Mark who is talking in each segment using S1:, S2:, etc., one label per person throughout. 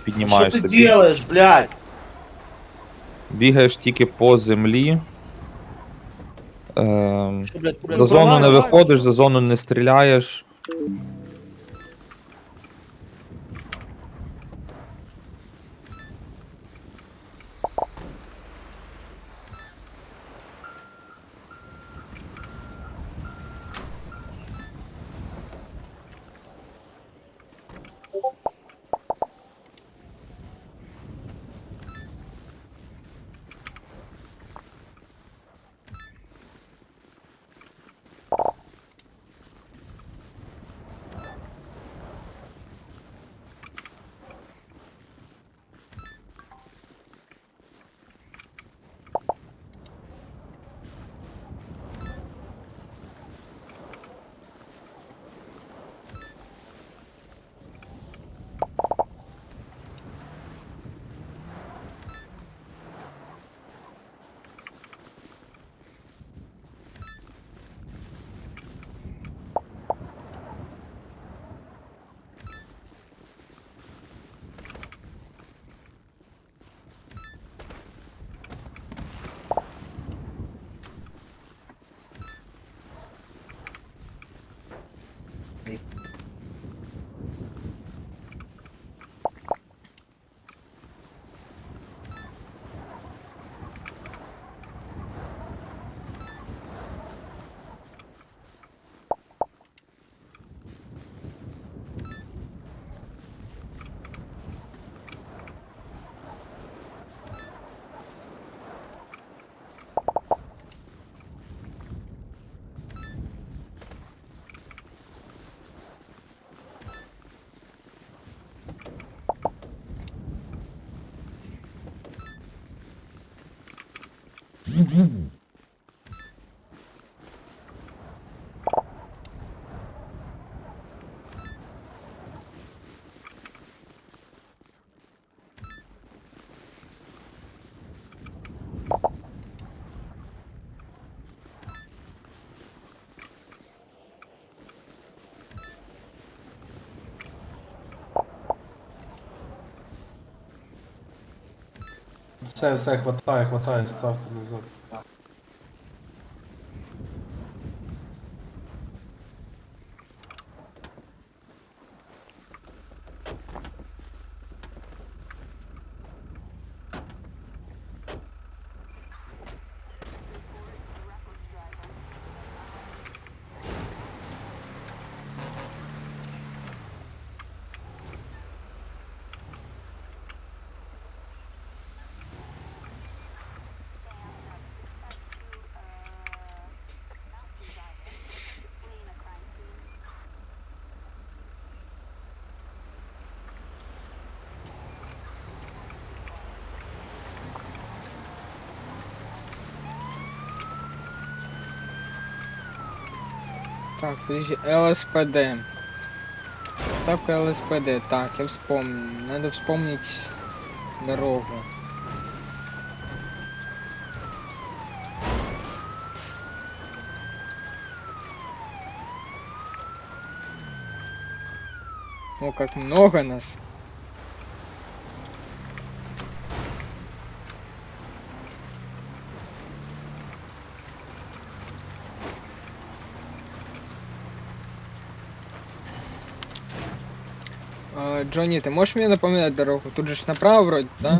S1: Что
S2: піднімаєшся.
S1: ты делаешь, блядь?
S2: Бігаєш тільки по землі.
S1: Что, блядь,
S2: За зону не
S1: права,
S2: виходиш,
S1: что?
S2: за зону не стріляєш.
S3: Все, хватає, ставте назад.
S4: Так, подожди, ЛСПД. Ставка ЛСПД. Так, я вспомнил. Надо вспомнить дорогу. О, как много нас. Джонни, ты можешь мне напоминать дорогу? Тут же ж направо вроде, да?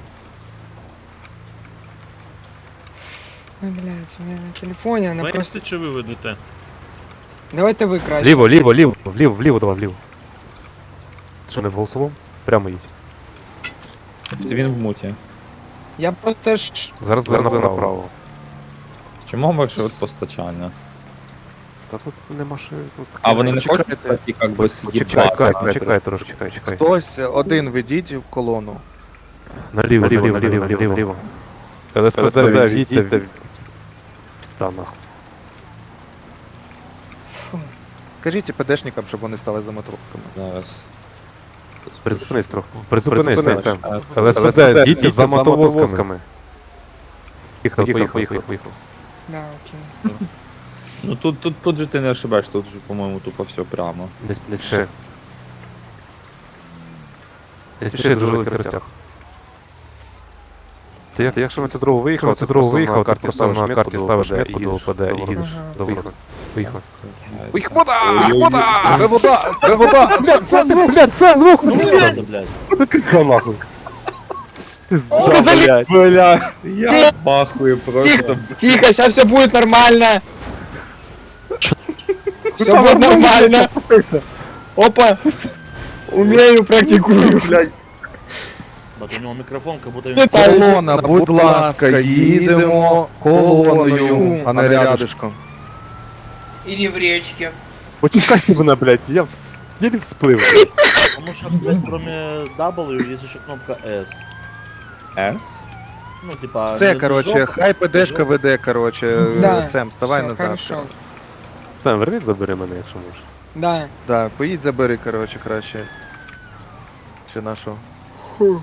S4: Ой, блядь, у меня на телефоне она
S5: Вести
S4: просто...
S5: чи ви ведете?
S4: Давайте вы краще.
S6: Вліво, давай, вліво. Що, не в голосовому? Прямо їдь.
S2: Він в муті.
S4: Я просто ж...
S6: Зараз буде направо.
S2: Чому маршрут постачання?
S6: Та тут нема що... Тут...
S2: А вони не хочуть
S7: Чекайте.
S2: такі, як би,
S6: Чекай,
S2: сидіти?
S6: чекай трошки, чекай.
S7: Хтось один ведіть в колону.
S6: Наліво. ЛСПД, відійдіть та... Пізда нахуй.
S4: Фу.
S7: Кажіть ПДшникам, щоб вони стали за моторками.
S2: Зараз.
S6: Призупинись трохи. Призупинись, Сем.
S2: А,
S6: ЛСПД, їдьте за мотовозками. Поїхав.
S4: Да, окей.
S2: Ну тут же ти не ошибаєш, тут же, по-моєму, тупо все прямо.
S6: Не спіши. Не спіши, дуже великий розтяг. Ти якщо на цю дорогу виїхав, на карті ставиш метку до ОПД і їдеш
S4: Ага.
S6: до виходу. Виїхав.
S2: Їх
S6: Вода! Блядь, Сам, блядь, Сам, нахуй!
S1: блядь.
S6: Ти пизда, нахуй!
S4: Сказали,
S2: Бля, я пахую просто.
S4: тихо, сейчас все будет нормально. Все будет нормально. Опа. Умею, практикую.
S1: Бать, у нього мікрофон, как будто він...
S4: Летаю.
S7: Колона, будь ласка, їдемо колоною, а не рядишком.
S5: Или в речке.
S6: Почекайте мене, блядь, я єлі всплив.
S1: Потому что, блядь, кроме W есть еще кнопка S.
S2: С?
S1: Ну, типа...
S7: Все,
S1: не
S7: короче,
S1: движок,
S7: хай ПДшка веде, короче,
S4: Да.
S7: Сем, вставай
S4: Всё,
S7: назад.
S4: Хорошо.
S6: Сам, вернись, забери мене, якщо можеш.
S4: Да.
S7: Да, поїдь забери, короче, краще. Чи нашого.
S4: Фу.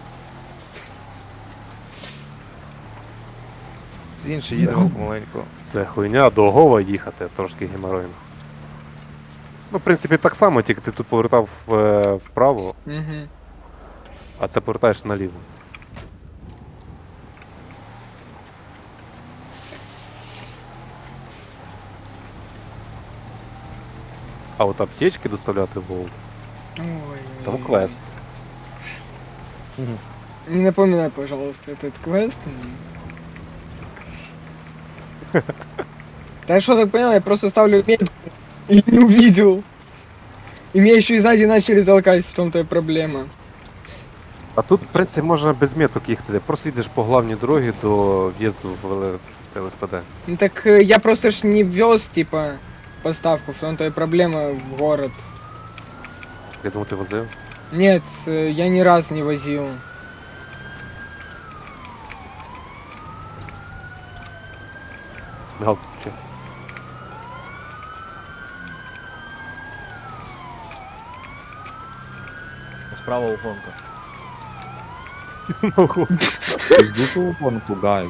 S7: З інший їдемо помаленьку.
S6: Це хуйня до Гова їхати, трошки геморойно. Ну, в принципі, так само, тільки ти тут повертав вправо,
S4: Мгм.
S6: а це повертаєш наліво. А от аптечки доставляти в Вову,
S4: Ой.
S6: там квест.
S4: Не напоминай, пожалуйста, этот квест. Да я что так понял, я просто ставлю метку и не увидел. И меня еще и сзади начали толкать, в том-то и проблема.
S6: А тут, в принципі, можна без меток їхати. Просто йдеш по главній дорогі до в'їзду в це ЛСПД.
S4: Ну так я просто ж не вез, типа, поставку, в том-то и проблема в город.
S6: Я думаю, ти возив.
S4: Нет, я ни раз не возил.
S6: Мигалку включи.
S1: Справа угонка.
S2: Пиздуй гонку, гайз.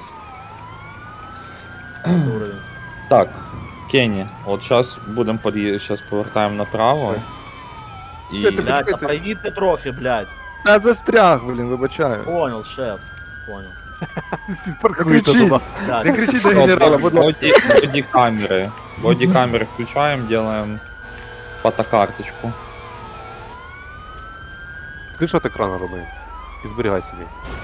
S1: Уровень.
S2: Так, Кенні, от зараз будемо зараз повертаємо направо. І
S1: Блядь, а проїдьте трохи, блядь.
S7: Та застряг, блін, вибачаю.
S1: Понял, шеф. Понял.
S6: Всі
S7: Не
S6: паркуються
S7: кричи,
S6: туди.
S1: Блядь.
S7: не кричи до генерала, будь ласка.
S2: Боді-камери. Боді-камери включаємо, делаем фотокарточку.
S6: Скріншот екрану роби. І зберігай собі.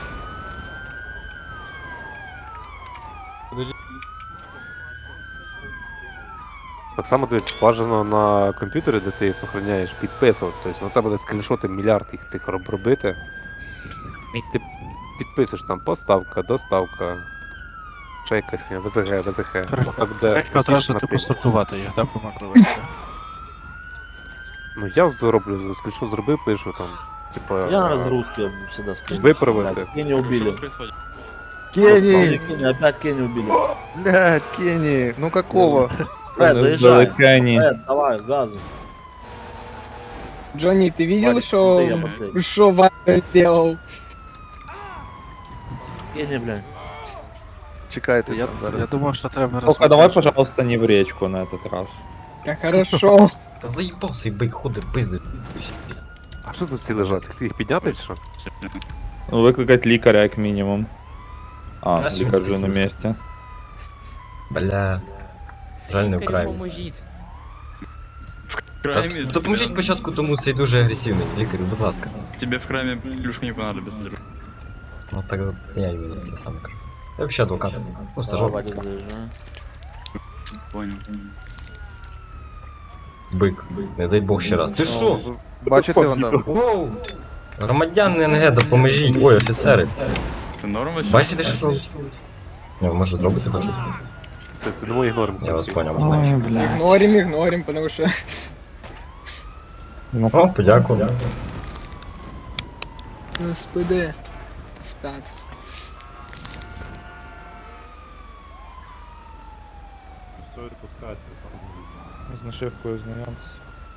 S6: Так само дивись, бажано на комп'ютері, де ти зберігаєш, підписувати. Тобто на тебе буде скріншоти мільярд їх цих робити. І ти підписуєш там поставка, доставка, ще якась хуйня, ВЗГ, ВЗХ. Так, де
S8: Треба одразу
S6: напряму.
S8: типу сортувати їх, да, по макроверсії.
S6: Ну я роблю, скріншот зробив, пишу там. Типа,
S1: Я на разгрузке всегда скину.
S6: Виправити.
S1: Блядь, Кенни убили.
S7: Кенни!
S1: Кенни, опять Кенни убили.
S7: Блядь, Кенни, ну какого?
S1: Фред, заезжай.
S2: Кенні.
S1: Фред, давай, газу.
S4: Джонни, ты видел,
S1: Валик,
S4: что
S1: ты я последний.
S4: Ваня сделал?
S1: Кенни, блядь.
S7: Чекайте
S8: Я,
S7: там
S8: я
S7: зараз.
S8: думав, що треба
S2: Только давай, пожалуйста, не в речку на этот раз.
S4: Да хорошо.
S9: Та заїбався і бик ходить пизди.
S6: А що тут всі лежать? Їх підняти чи що?
S2: Ну, викликати лікаря, як мінімум. А,
S9: Та що
S2: лікар
S9: ти
S2: вже на
S9: таке?
S2: місці.
S9: Бля. Жаль, не вкрай. Та допоможіть спочатку тому цей дуже агресивний лікарю, будь ласка.
S10: Тебе в храме плюшка не понадобится, друг.
S9: Ну так от я іменно те саме кажу. Я взагалі адвокат. Ну,
S1: Давай,
S9: стажер.
S1: Вадик, заезжай.
S10: Понял.
S9: Бик. Не дай Бог ще раз. Ти що?
S7: Бачите, вон там.
S9: Воу! Громадяни НГ, допоможіть. Ой, офіцери.
S10: Ты норм вообще?
S9: Бачите, що робить? Не, може зробити хоч.
S6: Це не мої норми.
S9: Я вас поняв.
S4: Игнорим, потому что...
S9: О, подякував.
S4: СПД. Спят.
S2: З нашивкою знайомтесь.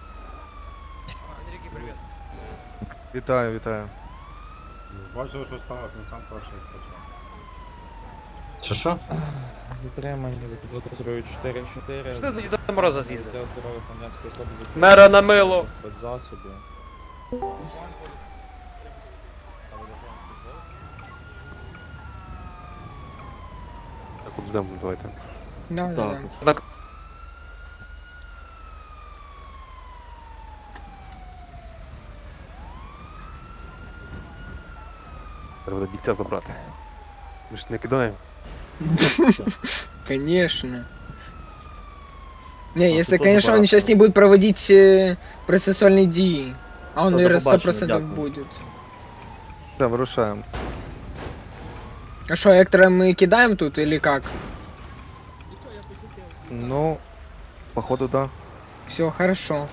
S7: Вітаю, вітаю.
S9: Що?
S2: Затримані за підозрою 4-4.
S5: Що ти до Мороза з'їздив?
S2: Для здоров'я громадянської особи
S5: Мера на мило.
S2: спецзасобів.
S6: Подождемо, давайте.
S4: Да, да,
S1: Так.
S4: да.
S6: Треба бійця забрати. Ми ж не кидаємо.
S4: Конечно. Не,
S1: А,
S4: если,
S1: ты тоже
S4: конечно, он
S1: барак,
S4: сейчас
S1: ну.
S4: не будет проводить процессуальные DI. А он,
S1: Да,
S4: наверное,
S1: до побачення,
S4: 100%
S1: дякую.
S4: будет.
S7: Так, вирушаємо.
S4: А что, Эктора мы кидаем тут или как?
S7: Ну, походу, да.
S4: Все, хорошо.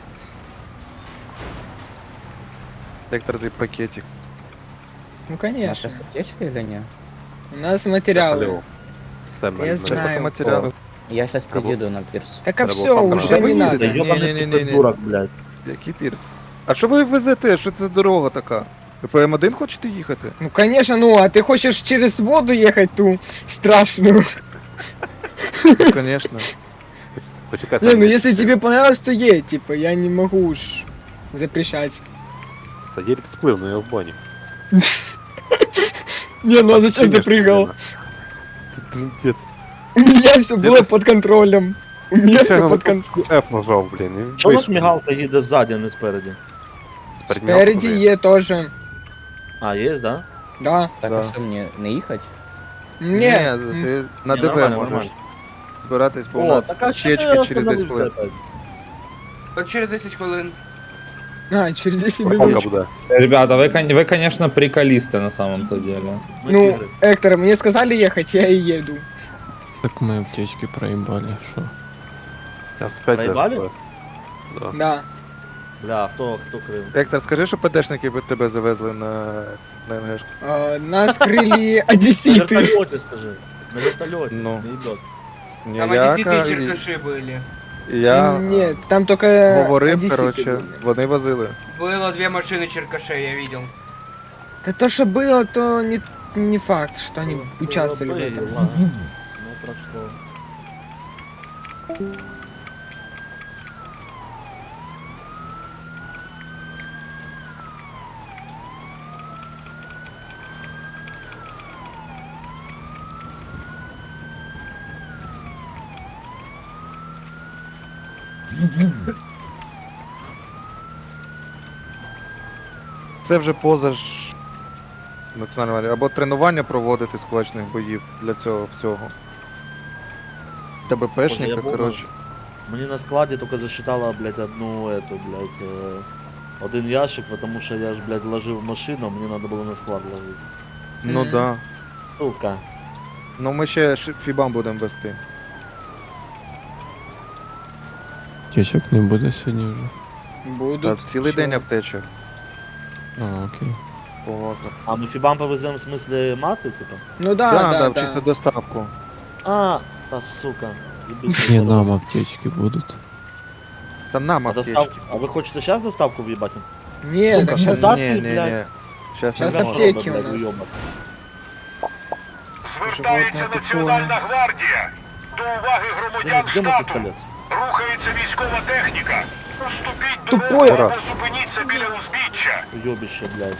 S7: Вектор за пакетик.
S4: Ну, конечно.
S9: аптечка или нет?
S4: У нас материалы.
S6: Алло. Все, ми
S4: Я
S7: Сейчас только
S4: знаю.
S7: материалы.
S9: Я сейчас
S6: Або-
S9: приеду на пирс.
S4: Так а
S6: Треба
S4: все,
S6: там
S4: уже
S6: брати.
S4: не
S7: Вы
S4: надо.
S7: едете?
S1: Да ёбаный
S7: Не-не-не-не-не.
S1: ты придурок, блядь.
S7: Який пірс? А що ви везете? Що це за дорога така? Ви по М1 хочете їхати?
S4: Ну, конечно, ну, а ты хочешь через воду ехать ту страшную?
S7: Ну, звісно.
S6: Почекай,
S4: Не,
S6: Сань,
S4: ну если тебе понравилось, то едь, типа, я не могу уж запрещать.
S6: Та Єрік сплив, ну я в бані.
S4: Не, ну а зачем ты прыгал?
S6: Це трындець.
S4: У меня все было под контролем. У меня все под контролем.
S6: F нажав, блін. і
S1: Чого у нас
S6: вийшов.
S1: мігалка їде ззаді, а не спереді?
S6: Спереді
S4: Спереди
S6: мігалка,
S4: Е тоже.
S1: А, є, да?
S4: Да.
S9: Так,
S7: Да.
S9: а что мне, не ехать?
S7: Ні,
S4: Не.
S7: ти на
S1: Ні,
S7: ДВ
S1: нормально,
S7: можеш
S1: нормально.
S7: збиратись, бо у
S1: О,
S7: нас
S1: так а
S7: чечки
S1: що
S7: через 10 хвилин.
S5: Так через 10 хвилин.
S4: А, через 10
S6: Палка
S4: минут.
S6: буде.
S2: Ребята, вы, конечно, приколисты на самом-то деле.
S4: Ну, Эктор, мне сказали ехать, я и еду.
S8: Так мы аптечки проебали, что?
S6: Зараз 5
S1: Проїбали?
S6: Да.
S4: Да.
S1: Бля, хто крив?
S7: Ектор, скажи, що ПДшники би тебе завезли на НГшку.
S4: Нас крыли
S1: На
S4: одесситы.
S1: вертольоті, скажи. На вертольоті.
S7: Ну.
S1: Не йдет.
S7: Ні,
S5: Там
S7: я,
S5: одесситы и
S7: і
S5: черкаши были.
S7: я
S4: Нет, там только
S7: говорив,
S4: одесситы
S7: коротше,
S4: были.
S7: вони возили.
S5: Было 2 машины черкашей, я видел.
S4: Да то, что было, то не факт, что они участвовали в
S1: Ой,
S4: этом.
S1: ладно. Ну, прошло.
S7: Це вже поза ж національного або тренування проводити з кулачних боїв для цього всього. Тебе
S1: Боже, я
S7: пешника,
S1: був
S7: коротше.
S1: Мені на складі тільки засчитала, блядь, одну эту, блядь, один ящик, потому що я ж, блядь, ложив в машину, мені треба було на склад ложити.
S7: Ну
S4: Мгм.
S7: да.
S1: Сука.
S7: Ну ми ще фібам будемо вести.
S8: Аптечек не буде сьогодні вже.
S7: Та
S4: Будут.
S7: цілий день
S4: Чё?
S7: аптечок.
S8: А, окей.
S7: Повозно.
S1: А ми фібам повеземо в смислі мати, типа?
S4: Ну да,
S7: Да,
S4: да,
S7: да, чисто
S4: да.
S7: доставку.
S1: А, та сука. З'їбіть
S8: Не,
S1: дорогу.
S8: нам аптечки будут.
S7: Та нам
S1: А
S7: аптечки.
S1: доставку? А ви хочете зараз доставку в'їбати?
S4: Не, так сейчас...
S1: да.
S7: Ні, ні, ні.
S1: блядь.
S7: Щас
S4: Щас
S7: не можна.
S4: аптеки у нас.
S7: Звертається Національна
S11: гвардія. До уваги громадян
S1: Де мій
S11: штату.
S1: пістолет?
S11: Рухається військова техніка. Уступіть
S4: Тупой.
S11: дорогу або зупиніться біля узбіччя.
S1: Уйобище, блядь.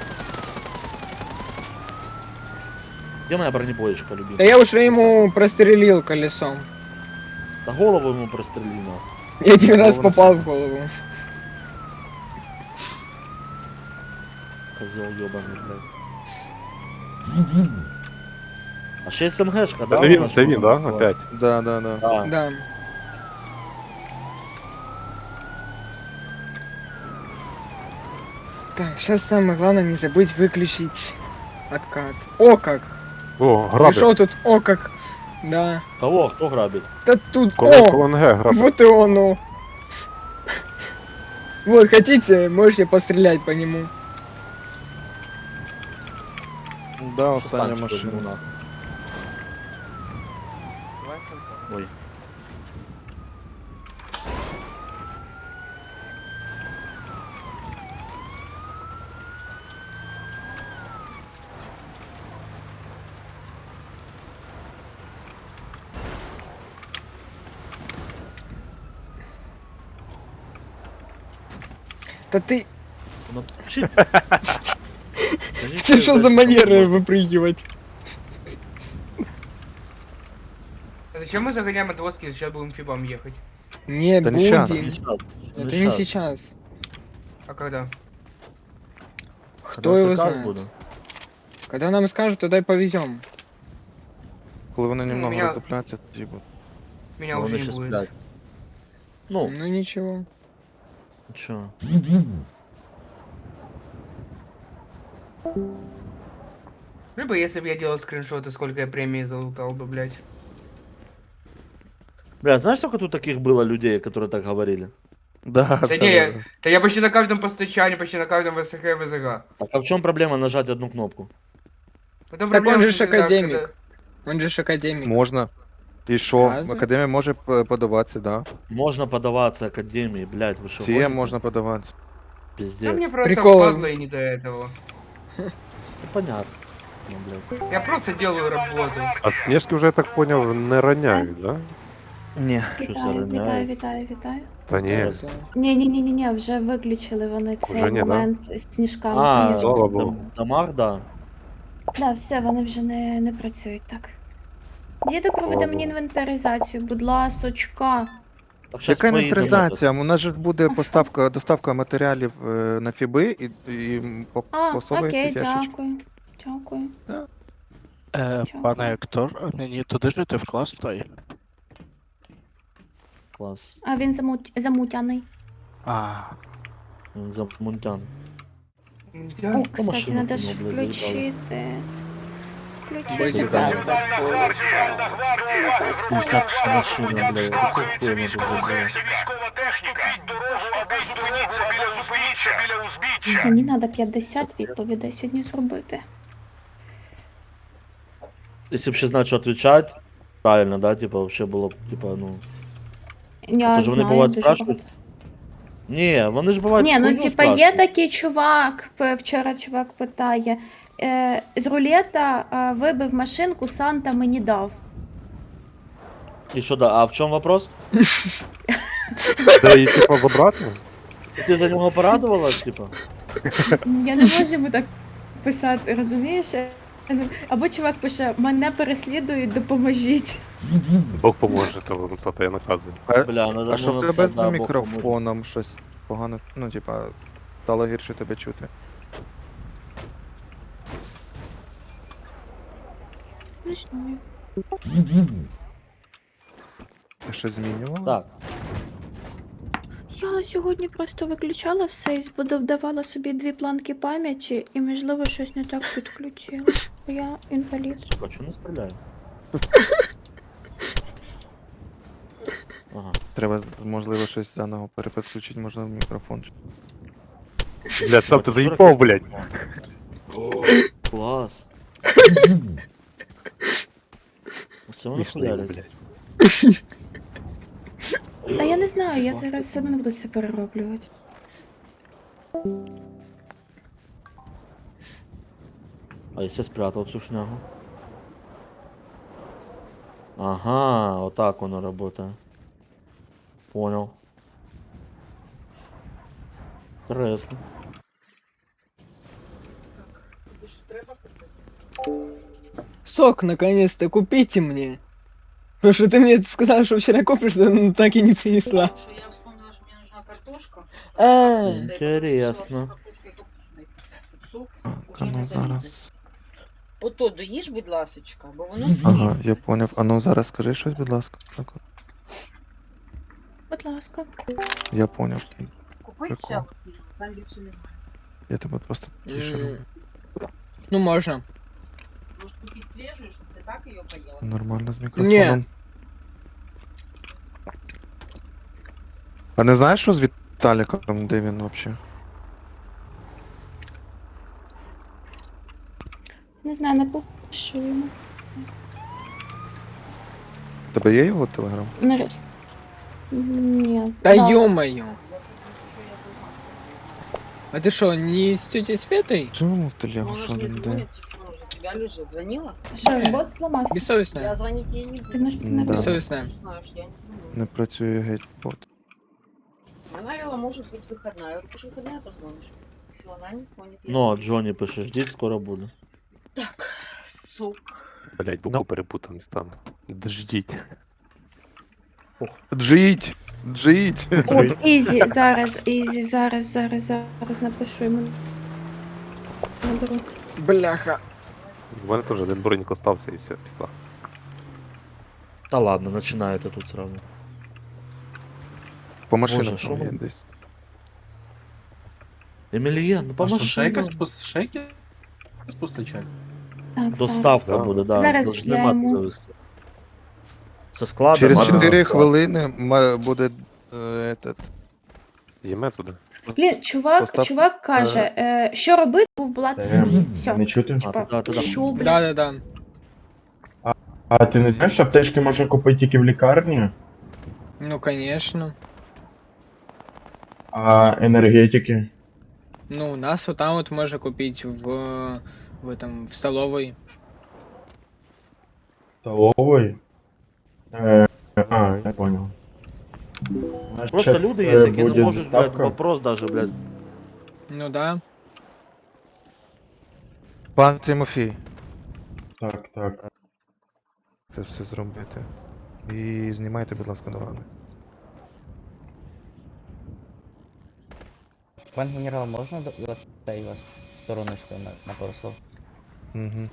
S1: Где моя бронебоечка,
S4: Да
S1: любимая?
S4: я уже ему прострелил колесом.
S1: Да голову ему прострелила.
S4: Я один раз попал в голову.
S1: Козел ебаный, блядь. А ще СМГшка, да?
S6: Це він,
S1: вона
S6: це він,
S1: що
S6: да?
S1: там
S6: Опять.
S7: Да, да, да.
S1: Да.
S4: Да. Так, сейчас самое главное не забыть выключить откат. О как!
S6: О, грабить.
S4: Пришел тут, о как! Да.
S1: Кого? Кто грабит?
S4: Да тут,
S6: Колон
S4: о!
S6: колон Г грабить.
S4: Вот и он, ну. Вот, хотите, можете пострелять по нему.
S7: Да, остання
S1: Станчик возьму,
S7: машина.
S1: нахуй. Ой.
S4: Да ты,
S1: Ну, чи-
S4: ты что за манеры выпрыгивать?
S5: А зачем мы загоняем отвозки, сейчас будем фибам ехать?
S4: Не
S7: Да не щас.
S4: будем.
S1: Не щас,
S4: Это не сейчас.
S5: А когда?
S4: Кто его
S1: приказ
S4: знает?
S1: буде.
S4: Когда нам скажут, тогда и повезем.
S7: Коли вони
S5: Ну,
S7: немного
S5: меня-
S7: роздупляться, тоді буде.
S5: Меня
S1: Вони
S5: уже не
S1: ще
S5: будет.
S1: сплять. Ну,
S4: Ну ничего.
S1: чё.
S5: Либо если бы я делал скриншоты, сколько я премии залутал бы, блядь.
S1: Бля, знаешь, сколько тут таких было людей, которые так говорили?
S7: Да,
S5: Да не, да я почти на каждом постучании, почти на каждом ВСХ и ВЗГ.
S1: Так а в чем проблема нажать одну кнопку?
S5: Потом
S4: Так он
S5: проблема,
S4: же
S5: что
S4: ж
S5: всегда,
S4: академик. Он же ж академик.
S7: Можна. І що?
S4: Разве?
S7: Академія може подаватися, да.
S1: Можно подаваться академии, блядь, вы что,
S7: Цієм
S1: гоните?
S7: можна подаватися.
S5: Да
S1: Пиздец.
S5: мне просто
S4: Прикол.
S5: падло и не до этого.
S1: Ну, понятно. Ну, блядь.
S5: Я просто делаю работу.
S6: А Снежки вже, я так поняв, не роняють, да?
S7: Ні.
S1: Що це роняє?
S12: Вітаю.
S6: Та ні.
S12: Ні, вже виключили вони цей
S6: Вже ні, да?
S12: момент з сніжками.
S1: А,
S12: Ні.
S6: слава
S1: в
S6: Богу.
S1: домах, да.
S12: Да, все, вони вже не працюють так. Діду, проведи мені інвентаризацію, будь ласочка.
S1: Так, щас
S7: Яка
S1: твої
S7: інвентаризація? У нас же буде доставка матеріалів на фіби і
S12: А,
S7: посовуєте
S12: окей,
S7: ящички.
S12: дякую.
S8: Пане Ектор, мені туди жити в клас в той.
S1: додають. Клас.
S12: А він замутяний.
S1: Він замунтян.
S12: О, кстати,
S1: машину
S12: треба ж
S1: кинув, блядь,
S12: включити.
S4: Будете
S12: Включити.
S4: знать.
S11: Національна гвардія,
S1: 50 машина, блядь. Какой хуй вона тут забила?
S11: Рухається військова техніка. Уступіть дорогу або зупиніться біля узбіччя.
S12: Мені треба 50 відповідей сьогодні зробити.
S1: Если бы ще знать, что отвечать, правильно, да, типа, вообще было б, типа, ну...
S12: Я
S1: Тож вони
S12: знаю,
S1: бувають
S12: дуже
S1: спрашують? Ні, вони ж бувають
S12: Ні, ну
S1: хуйню
S12: типа є
S1: спрашують.
S12: такий чувак, вчора чувак питає, з рулета вибив машинку, Санта мені дав.
S1: І що, да, а в чому вопрос?
S6: Де її, типу, забрати?
S1: Ти за нього порадувалась, типа?
S12: Я не можу йому так писати, розумієш? Або чувак пише, мене переслідують, допоможіть.
S6: Бог поможе, треба написати, я наказую.
S1: Бля, надо
S7: А що в
S1: ну,
S7: тебе
S1: це,
S7: з
S1: да, Бог
S7: мікрофоном щось погано, ну, типа, стало гірше тебе чути.
S12: Не знаю.
S7: Ти щось змінювала?
S1: поможе. Так,
S12: Я сьогодні просто виключала все і додавала собі 2 планки пам'яті і, можливо, щось не так підключила. Бо я інвалід.
S1: а чому не стріляю? Ага.
S7: Треба, можливо, щось заново перепідключити, можливо, мікрофон.
S6: Блядь, сам ти заїбав, блядь.
S1: Клас. Оце воно
S6: Смішний,
S1: хуярить.
S6: блядь.
S12: Та я не знаю, я зараз все одно не буду це перероблювати.
S1: А если спрятал цю шнягу? Ага, вот так оно работает. Понял. Интересно.
S4: Сок, наконец-то, купите мне. Потому что ты мне сказал, что вчера купишь, но так и не принесла.
S13: Я вспомнила, что мне нужна картошка.
S4: А,
S1: Интересно.
S13: Сок.
S7: А ну зараз.
S13: Ото доїж, будь ласочка, бо воно
S7: Ага,
S13: сліз.
S7: я поняв. А ну зараз скажи щось, будь ласка. Так, от.
S12: Будь ласка.
S7: Я поняв.
S13: Купить ще
S7: Прикол.
S13: оці, там більше немає.
S7: Я тебе просто тише роблю.
S4: ну можно.
S13: Може купити свіжу, щоб ти так її поїла.
S7: Нормально з мікрофоном.
S4: Ні.
S7: А не знаєш, що з Віталіком, де він взагалі?
S12: Не знаю, напишу йому.
S7: У тебе є його телеграм?
S12: Нарешті. Ні.
S4: Да
S12: да.
S4: ё-моё. А ты что, не с тетей Светой?
S7: Живемо в телегу,
S13: Вона
S7: що
S13: ж не
S7: він де?
S13: дзвонить, телефон вже у тебя лежить. Звонила?
S12: Що, бот зламався?
S13: Я
S4: Бессовестная.
S13: звонить ей не буду.
S12: Ти можеш бути
S7: Да.
S12: на
S4: Бессовестная.
S13: Знаешь, я не звоню.
S7: Не працює геть бот.
S13: Она говорила, может быть выходная. Я говорю, ты же выходная позвонишь. Если она не звонит, я
S1: Но
S13: не
S1: Джонни пише, ждіть, скоро буду.
S13: Так, сок.
S6: Блядь, букву перепутав містами. Дождіть.
S7: Джить! Джить!
S12: От, Ізі, зараз напишу йому. Наберу.
S4: Бляха.
S6: У мене теж один бронік остався і все, пішла.
S1: Та ладно, починаєте тут сразу.
S7: По машинам
S1: Боже, що
S7: там є
S1: ви?
S7: десь.
S1: Емельян, ну по
S3: А що, ще
S1: машинам.
S3: якась ще якесь постачання?
S12: Так,
S1: Доставка
S12: зараз.
S1: буде, да.
S12: Зараз
S1: Должны
S12: я
S1: мати
S12: йому-
S1: завести. Со склада.
S7: Через
S1: мати
S7: 4
S1: доставку.
S7: хвилини буде этот.
S6: ЄМС буде.
S12: Блін,
S7: Постав-
S12: чувак каже, що робити, був була пісня. Все.
S8: Не чути?
S1: А, да.
S12: Що, блін?
S4: Да-да-да.
S8: А ти не знаєш, що аптечки можна купити тільки в лікарні,
S4: Ну, конечно.
S8: а енергетики?
S4: Ну, у нас вот там вот можно купить в этом, в столовой.
S8: Столової? Я понял.
S1: Просто
S8: Щас,
S1: люди є, які не
S8: буде
S1: можуть, блядь,
S8: доставка.
S1: вопрос даже, блядь.
S4: Ну да.
S7: Пан Тимофій,
S8: Так.
S7: це все зробити. І знімайте, будь ласка, дорогу.
S9: Пан генерал, можна цей вас стороночкою на пару слов?
S7: Угу.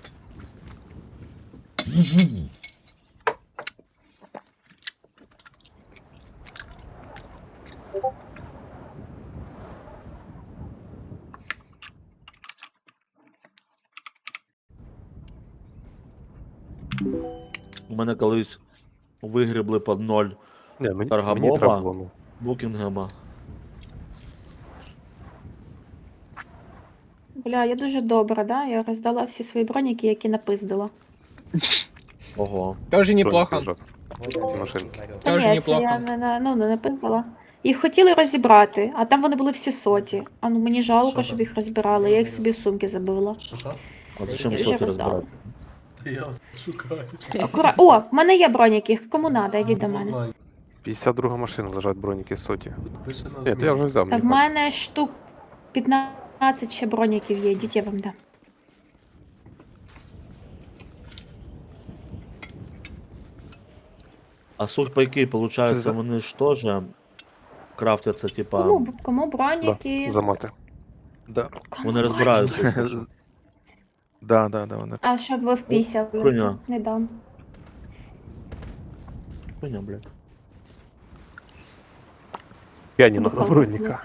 S1: У мене колись вигрібли під 0
S6: Ні, мені
S1: Таргамова.
S6: треба було, ну.
S1: Букінгема.
S12: Бля, я дуже добра, да? Я роздала всі свої броніки, які напиздила.
S1: Ого.
S4: Тоже
S6: Броніки
S4: неплохо.
S6: лежать. Ці машинки.
S12: Та
S4: Тоже
S12: ні, це
S4: неплохо.
S12: я не напиздила. Їх хотіли розібрати, а там вони були всі соті. А ну мені жалко, щоб їх розбирали, я їх собі в сумки забила.
S3: Що?
S1: А зачем
S12: Я вже
S1: соки
S12: роздала.
S1: розбирати?
S3: Я шукаю.
S12: О, в мене є броніки, кому надо, йдіть до мене.
S6: 52 машина лежать броніки соті.
S3: Пише на
S6: Ні, то я
S3: зміну.
S6: вже взяв.
S12: Та в
S6: мені хватить.
S12: мене штук 15 ще броніків є, йдіть, я вам дам.
S1: А сухпайки,
S7: Що
S1: получается,
S7: за-
S1: вони ж теж крафтяться, типа,
S12: Кому броніки?
S6: За мати.
S7: Да.
S1: вони розбираються. якщо що.
S7: Да, вони.
S12: А щоб ви впісялися,
S1: Хуйня.
S12: не дам.
S1: Хуйня, блядь.
S6: Кені надо броніка.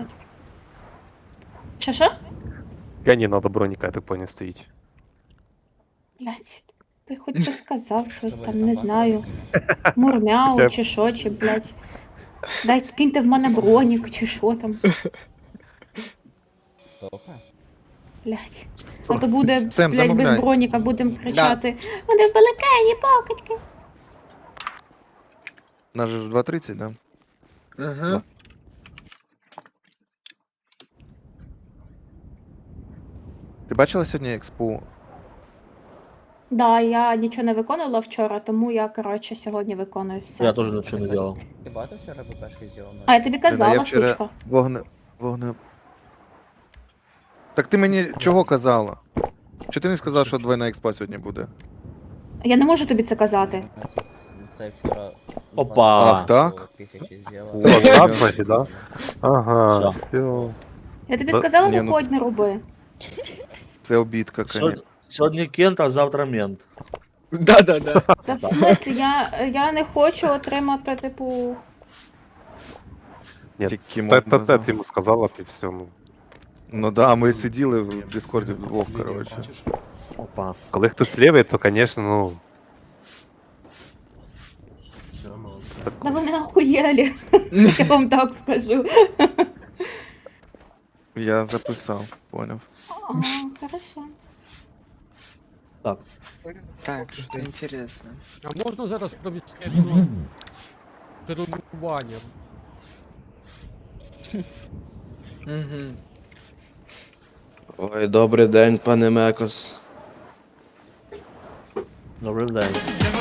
S12: Що?
S6: Кені надо броніка, я так поняв, стоїть.
S12: Блять, ти хоч би сказав щось там, не знаю. Мурмяу
S6: Я-
S12: чи що, чи, блять. Дай киньте в мене бронік, чи що там. Блять. А то буде,
S7: Сем,
S12: блять, без
S7: замовляй.
S12: броніка будемо кричати. Вони в балакані, покачки.
S7: Нас же ж 2:30, да?
S4: Ага.
S7: Ти бачила сьогодні експу?
S12: Да, я нічого не виконувала вчора, тому я, коротше, сьогодні виконую все.
S1: Я теж нічого не делал.
S9: Ти багато вчора БПшки зробив?
S12: А я тобі казала,
S7: Я вчора
S12: сучка.
S7: вогне. Так ти мені чого казала? Чи ти не сказав, що двойна експа сьогодні буде?
S12: Я не можу тобі це казати.
S9: Це вчора...
S1: Опа.
S7: Ах, так?
S6: О, так, значить, да? Ага,
S1: Все.
S6: все.
S12: Я тобі
S6: Да,
S12: сказала,
S7: ні, ну
S12: виходь, не роби.
S7: Це обідка, конечно.
S1: Сьогодні Кент, а завтра мент.
S4: Да-да-да.
S12: Та в смислі, я не хочу отримати, типу.
S6: Ні,
S7: Тільки мод
S6: Те
S7: назвав.
S6: ти йому сказала, і все, ну.
S7: Ну да, ми сиділи в Дискорді вдвох, коротше.
S3: Бачиш?
S1: Опа.
S6: Коли хтось лівий, то, звісно, ну.
S3: Все, молодці.
S12: Да вони охуєлі, я вам так скажу.
S7: Я записав, поняв.
S12: Ага, хорошо.
S1: Так.
S4: Так, что интересно.
S14: А можна зараз провести тренування?
S4: Угу.
S8: Ой, добрий день, пане Мекос.
S1: Добрий день.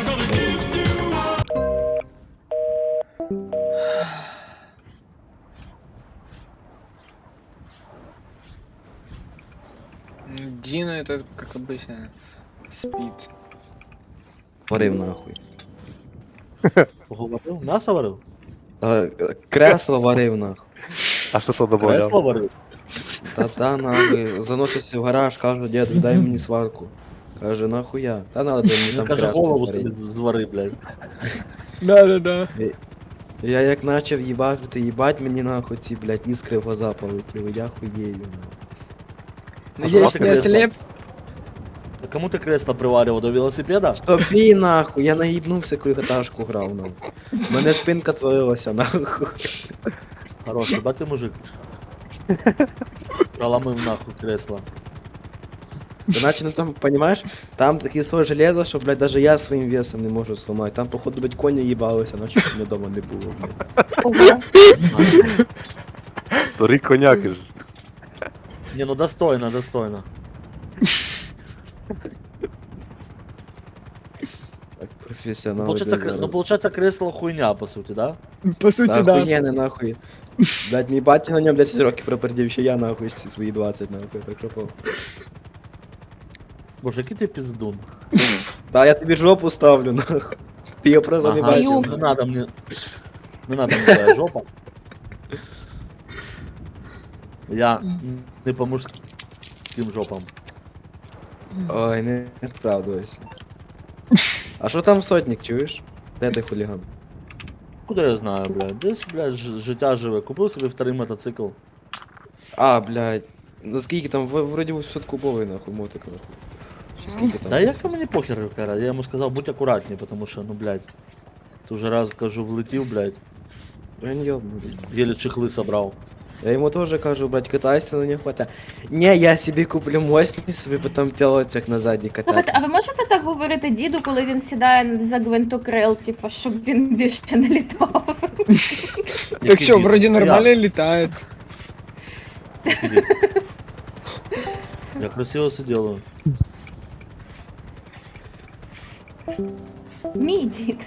S4: Дина это, как обычно, спит.
S8: Варив нахуй.
S1: Поговорив? М'ясо варив?
S9: Кресло варив, нахуй.
S6: А що то добавляв?
S1: Кресло варив?
S9: Та нахуй. Заносився в гараж, кажу, дід, дай мені сварку. Каже, нахуя? Та надо мені
S1: Він
S9: там
S1: каже,
S9: кресло
S1: голову
S9: варити.
S1: собі звари, блядь.
S4: Да-да-да.
S9: Я як начав їбати, їбать мені нахуй ці, блядь, іскри в глаза полетіли, я хуєю, нахуй.
S4: Надеюсь, не
S1: кресло?
S4: ослеп.
S1: А кому ти кресло приварював? До велосипеда?
S9: Тобі нахуй, я наїбнувся, коли каташку грав, нахуй. Мене спинка творилася, нахуй.
S1: Хороший, ба ти мужик. Проламив нахуй кресло.
S9: Та наче, ну там, понимаешь, там таке слой железа, що, блядь, даже я своїм весом не можу сломати. Там, походу, блядь, коні їбалися, ночі мене дома не було, блядь.
S6: Старий коняки ж.
S1: Не, ну достойно, достойно.
S9: Так, професіонал.
S1: Получается, кресло хуйня, по суті, да?
S4: По сути,
S9: Та
S4: да.
S9: охуєнне, нахуй. Блядь, мій батя на ньому 10 років пропердів, ще я, нахуй, всі свої 20, нахуй, так що по.
S1: Боже, який ти пиздун.
S9: Та я тобі жопу ставлю, нахуй. Ти її просто не
S1: Ага,
S9: бачив.
S1: не надо мне... Не надо мне твоя жопа. Я не по мужським жопам.
S9: Ой, не вправдуйся. А що там сотник, чуєш? Де ти хуліган?
S1: Куда я знаю, блядь? Десь, блядь, життя живе. Купив собі вторий мотоцикл.
S9: А, блядь. Наскільки там, вроді 800-кубовий, нахуй, мотик, нахуй. Чи скільки там?
S1: Да як мені похер, кара. Я йому сказав, будь акуратней, потому що, ну, блядь. Ти вже раз, кажу, влетів, блядь.
S9: Він йобнутий.
S1: Еле чехли собрав.
S9: Я йому теж кажу, блядь, катайся на нього хвата. Не, я собі куплю мощний, собі потім тілоцях на задній
S12: Слухайте,
S9: катати.
S12: а ви можете так говорити діду, коли він сідає за гвинтокрил, типу, щоб він більше не літав?
S4: Так что, вроде нормально летает.
S1: Я красиво все делаю.
S12: Мій дід.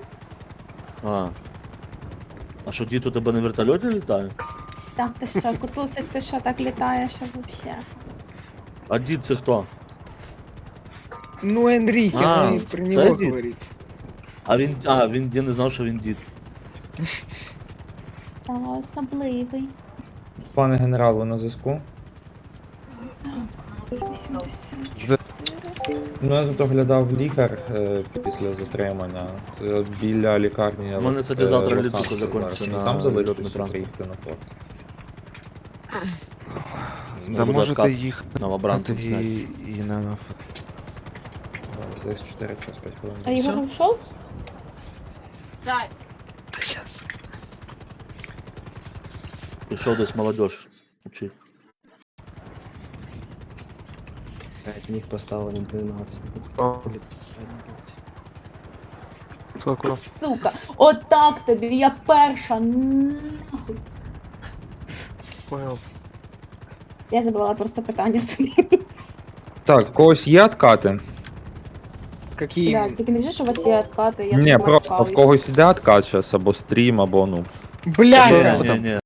S1: А що, дід у тебе на вертольоті літає?
S12: Так, ти що, кутусик, ти що, так літаєш вообще?
S1: А дід це хто?
S4: Ну, Энрике,
S1: А,
S4: мы про
S1: це
S4: него
S1: дід.
S4: говорить.
S1: Він я не знав, що він дід.
S12: Та особливий.
S2: Пане генерал, ви на зв'язку?
S12: 84.
S2: Ну, я тут оглядав лікар після затримання. Біля лікарні.
S1: У мене, кстати, завтра
S2: Лос-Анджелеса
S1: літаку закінчиться
S2: зараз.
S1: на
S2: Там залишитися,
S1: льотний транспорт.
S2: приїхати на форт.
S7: Да
S1: буде
S7: можете
S1: откат
S7: їхати
S1: новобранцем
S7: і,
S1: зняти.
S7: і на
S2: Десь 4 час 5 хвилин.
S12: А Ігор ушов?
S13: Зай,
S1: Пішов десь молодежь учить.
S9: Блядь, міг поставили на 12.
S6: О.
S12: Сука, отак тобі, я перша, нахуй.
S6: Понял.
S12: Я забрала просто питання собі.
S2: Так, в когось є откати?
S4: Какие?
S12: Да, тільки не вже, що у вас є откати, я
S2: Ні,
S12: забрала
S2: просто в
S12: каву.
S2: когось іде откат зараз, або стрім, або ну.
S4: Бля,
S1: Ні, ні.